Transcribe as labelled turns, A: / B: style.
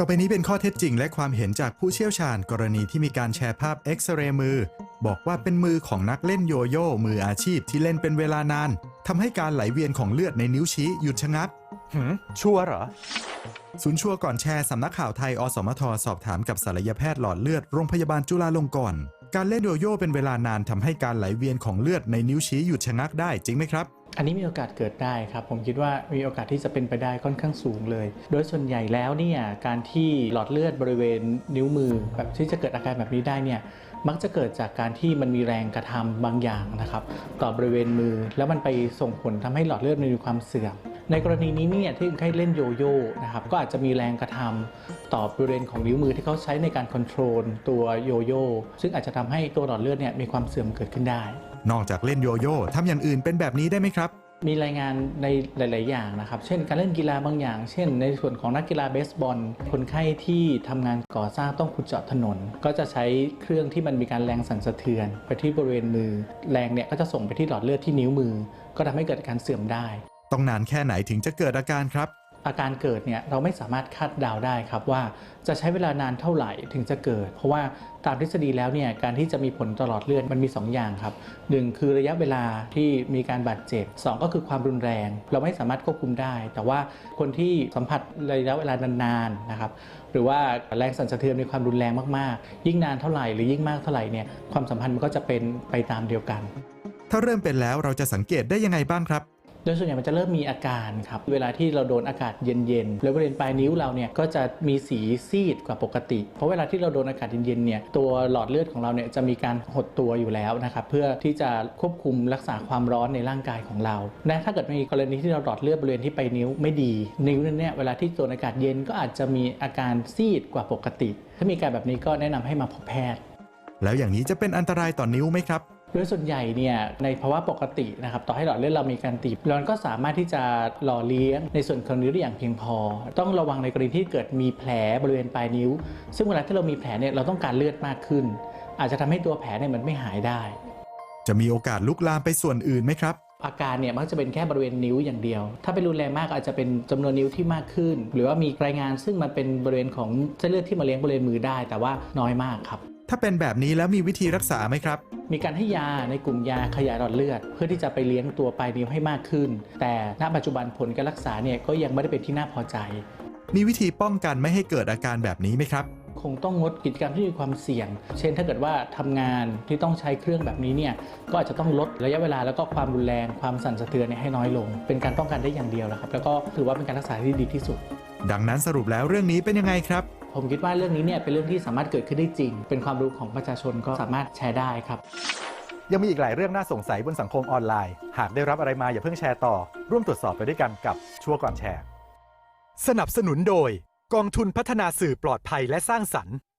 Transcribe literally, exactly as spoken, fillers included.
A: ต่อไปนี้เป็นข้อเท็จจริงและความเห็นจากผู้เชี่ยวชาญกรณีที่มีการแชร์ภาพเอ็กซเรย์มือบอกว่าเป็นมือของนักเล่นโยโย่มืออาชีพที่เล่นเป็นเวลานานทำให้การไหลเวียนของเลือดในนิ้วชี้หยุดชะงัก
B: หืมชัวร์เหรอ
A: ศูนย์ชัวร์ก่อนแชร์สำนักข่าวไทยอสมทสอบถามกับศัลยแพทย์หลอดเลือดโรงพยาบาลจุฬาลงกรณ์การเล่นโยโย่เป็นเวลานานทำให้การไหลเวียนของเลือดในนิ้วชี้หยุดชะงักได้จริงไหมครับ
C: อันนี้มีโอกาสเกิดได้ครับผมคิดว่ามีโอกาสที่จะเป็นไปได้ค่อนข้างสูงเลยโดยส่วนใหญ่แล้วเนี่ยการที่หลอดเลือดบริเวณนิ้วมือแบบที่จะเกิดอาการแบบนี้ได้เนี่ยมักจะเกิดจากการที่มันมีแรงกระทำบางอย่างนะครับต่อบริเวณมือแล้วมันไปส่งผลทำให้หลอดเลือดมีความเสื่อมในกรณีนี้เนี่ยที่คนไข้เล่นโยโย่นะครับก็อาจจะมีแรงกระทำต่อบริเวณของนิ้วมือที่เขาใช้ในการคอนโทรลตัวโยโย่ซึ่งอาจจะทำให้ตัวหลอดเลือดเนี่ยมีความเสื่อมเกิดขึ้นได้
A: นอกจากเล่นโยโย่ทำอย่างอื่นเป็นแบบนี้ได้ไหมครับ
C: มีรายงานในหลายๆอย่างนะครับเช่นการเล่นกีฬาบางอย่างเช่นในส่วนของนักกีฬาเบสบอลคนไข้ที่ทำงานก่อสร้างต้องขุดเจาะถนนก็จะใช้เครื่องที่มันมีการแรงสั่นสะเทือนไปที่บริเวณมือแรงเนี่ยก็จะส่งไปที่หลอดเลือดที่นิ้วมือก็ทำให้เกิดการเสื่อมได้
A: ต้องนานแค่ไหนถึงจะเกิดอาการครับ
C: อาการเกิดเนี่ยเราไม่สามารถคาดเดาได้ครับว่าจะใช้เวลานานเท่าไหร่ถึงจะเกิดเพราะว่าตามทฤษฎีแล้วเนี่ยการที่จะมีผลตลอดเลือดมันมีสองอย่างครับหนึ่งคือระยะเวลาที่มีการบาดเจ็บสองก็คือความรุนแรงเราไม่สามารถควบคุมได้แต่ว่าคนที่สัมผัสระยะเวลานานๆนะครับหรือว่าแรงสั่นสะเทือนมีความรุนแรงมากๆยิ่งนานเท่าไหร่หรือยิ่งมากเท่าไหร่เนี่ยความสัมพันธ์มันก็จะเป็นไปตามเดียวกัน
A: ถ้าเริ่มเป็นแล้วเราจะสังเกตได้ยังไงบ้างครับ
C: โดยส่วนใหญ่มันจะเริ่มมีอาการครับเวลาที่เราโดนอากาศเย็นๆแล้วบริเวณปลายนิ้วเราเนี่ยก็จะมีสีซีดกว่าปกติเพราะเวลาที่เราโดนอากาศเย็นๆเนี่ยตัวหลอดเลือดของเราเนี่ยจะมีการหดตัวอยู่แล้วนะครับเพื่อที่จะควบคุมรักษาความร้อนในร่างกายของเราและถ้าเกิดมีกรณีที่เราหลอดเลือดบริเวณที่ปลายนิ้วไม่ดีนิ้วนั้นเนี่ยเวลาที่โดนอากาศเย็นก็อาจจะมีอาการซีดกว่าปกติถ้ามีการแบบนี้ก็แนะนำให้มาพบแพทย์
A: แล้วอย่างนี้จะเป็นอันตรายต่อนิ้วไหมครับ
C: โดยส่วนใหญ่เนี่ยในภาวะปกตินะครับต่อให้หลอดเลือดเรามีการตีบเราก็สามารถที่จะหล่อเลี้ยงในส่วนของนิ้วได้อย่างเพียงพอต้องระวังในกรณีที่เกิดมีแผลบริเวณปลายนิ้วซึ่งเวลาที่เรามีแผลเนี่ยเราต้องการเลือดมากขึ้นอาจจะทำให้ตัวแผลเนี่ยมันไม่หายได้
A: จะมีโอกาสลุกลามไปส่วนอื่นไหมครับ
C: อาการเนี่ยมักจะเป็นแค่บริเวณนิ้วอย่างเดียวถ้าเป็นรุนแรงมากอาจจะเป็นจำนวนนิ้วที่มากขึ้นหรือว่ามีรายงานซึ่งมันเป็นบริเวณของเส้นเลือดที่มาเลี้ยงบริเวณมือได้แต่ว่าน้อยมากครับ
A: ถ้าเป็นแบบนี้แล้วมีวิธีรักษาไหมครับ
C: มีการให้ยาในกลุ่มยาขยายหลอดเลือดเพื่อที่จะไปเลี้ยงตัวปลายนิ้วให้มากขึ้นแต่ณปัจจุบันผลการรักษาเนี่ยก็ยังไม่ได้เป็นที่น่าพอใจ
A: มีวิธีป้องกันไม่ให้เกิดอาการแบบนี้ไหมครับ
C: คงต้องงดกิจกรรมที่มีความเสี่ยงเช่นถ้าเกิดว่าทำงานที่ต้องใช้เครื่องแบบนี้เนี่ยก็อาจจะต้องลดระยะเวลาแล้วก็ความรุนแรงความสั่นสะเทือนให้น้อยลงเป็นการป้องกันได้อย่างเดียวนะครับแล้วก็ถือว่าเป็นการรักษาที่ดีที่สุด
A: ดังนั้นสรุปแล้วเรื่องนี้เป็นยังไงครับ
C: ผมคิดว่าเรื่องนี้เนี่ยเป็นเรื่องที่สามารถเกิดขึ้นได้จริงเป็นความรู้ของประชาชนก็สามารถแชร์ได้ครับ
B: ยังมีอีกหลายเรื่องน่าสงสัยบนสังคมออนไลน์หากได้รับอะไรมาอย่าเพิ่งแชร์ต่อร่วมตรวจสอบไปด้วยกันกับชัวร์ก่อนแชร์สนับสนุนโดยกองทุนพัฒนาสื่อปลอดภัยและสร้างสรรค์